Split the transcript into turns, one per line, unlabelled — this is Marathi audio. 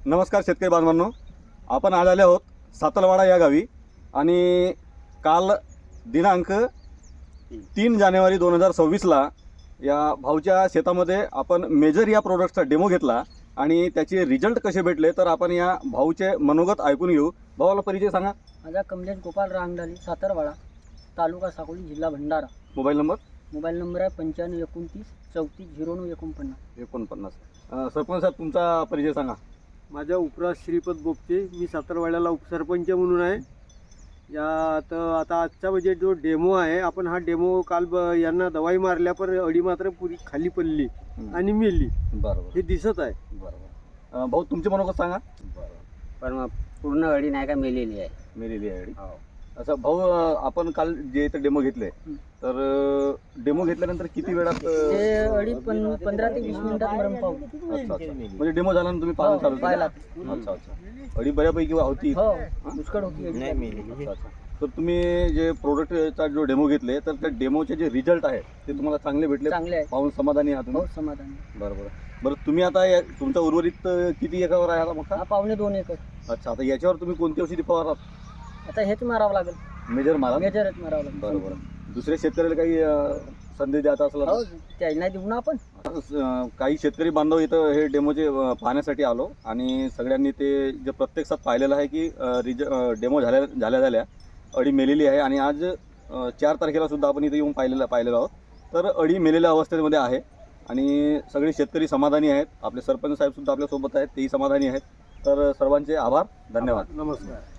नमस्कार शेतकरी बांधवांनो, आपण आज आले आहोत सातलवाडा या गावी आणि काल दिनांक 3 जानेवारी 2026ला या भाऊच्या शेतामध्ये आपण मेजर या प्रोडक्टचा डेमो घेतला आणि त्याचे रिझल्ट कसे भेटले तर आपण या भाऊचे मनोगत ऐकून घेऊ. भावाला परिचय सांगा.
माझा कमलेश गोपाल रांगडाली, सातारवाडा, तालुका साकोली, जिल्हा भंडारा.
मोबाईल नंबर
आहे 9529 34 09 49.
सरपंच साहेब तुमचा परिचय सांगा.
माझा उपराज श्रीपद बोपते, मी सातारवाड्याला उपसरपंच म्हणून आहे. आता आजचा म्हणजे जो डेमो आहे, आपण हा डेमो काल यांना दवाई मारल्या पर अडी मात्र पुरी खाली पडली आणि मेली.
बरोबर,
हे दिसत आहे.
बरोबर. भाऊ तुमचे मनोगत सांगा.
पण पूर्ण अडी नाही का मेलेली आहे.
मेलेली आहे अडी. असं भाऊ, आपण काल जे इथे डेमो घेतले तर डेमो घेतल्यानंतर किती वेळात
ते अडी 15 ते 20 मिनिटात मरण पावली.
अच्छा, म्हणजे डेमो झाल्यानंतर तुम्ही पाहणं चालू
पाहिला.
अच्छा. अडी बऱ्यापैकी होती.
हो, पुष्कळ होती अडी.
अच्छा. तर तुम्ही जे प्रोडक्टचा जो डेमो घेतले तर त्या डेमोचे जे रिझल्ट आहेत ते तुम्हाला चांगले भेटले,
चांगले आहे.
पाहून समाधानी आहात तुम्ही?
हो, समाधान.
बरं. तुम्ही आता तुमचा उर्वरित किती एकरावर आहे आता मका?
हा 2.25 एकर.
अच्छा. आता याच्यावर तुम्ही कोणती औषधी फवारतात?
आता हेच मारावं लागेल.
मेजर मारा.
मेजरच मारावं लागेल.
बरोबर. दुसऱ्या शेतकऱ्याला काही संधी द्यायचा असला
हो, त्याला नाही देऊ ना आपण.
काही शेतकरी बांधव इथं हे डेमोचे पाहण्यासाठी आलो आणि सगळ्यांनी ते जे प्रत्यक्षात पाहिलेलं आहे की डेमो झाल्या अडी मेलेली आहे आणि आज 4 तारखेला सुद्धा आपण इथे येऊन पाहिलेलं आहोत. तर अडी मेलेल्या अवस्थेमध्ये आहे आणि सगळे शेतकरी समाधानी आहेत. आपले सरपंच साहेब सुद्धा आपल्यासोबत आहेत, तेही समाधानी आहेत. तर सर्वांचे आभार, धन्यवाद.
नमस्कार.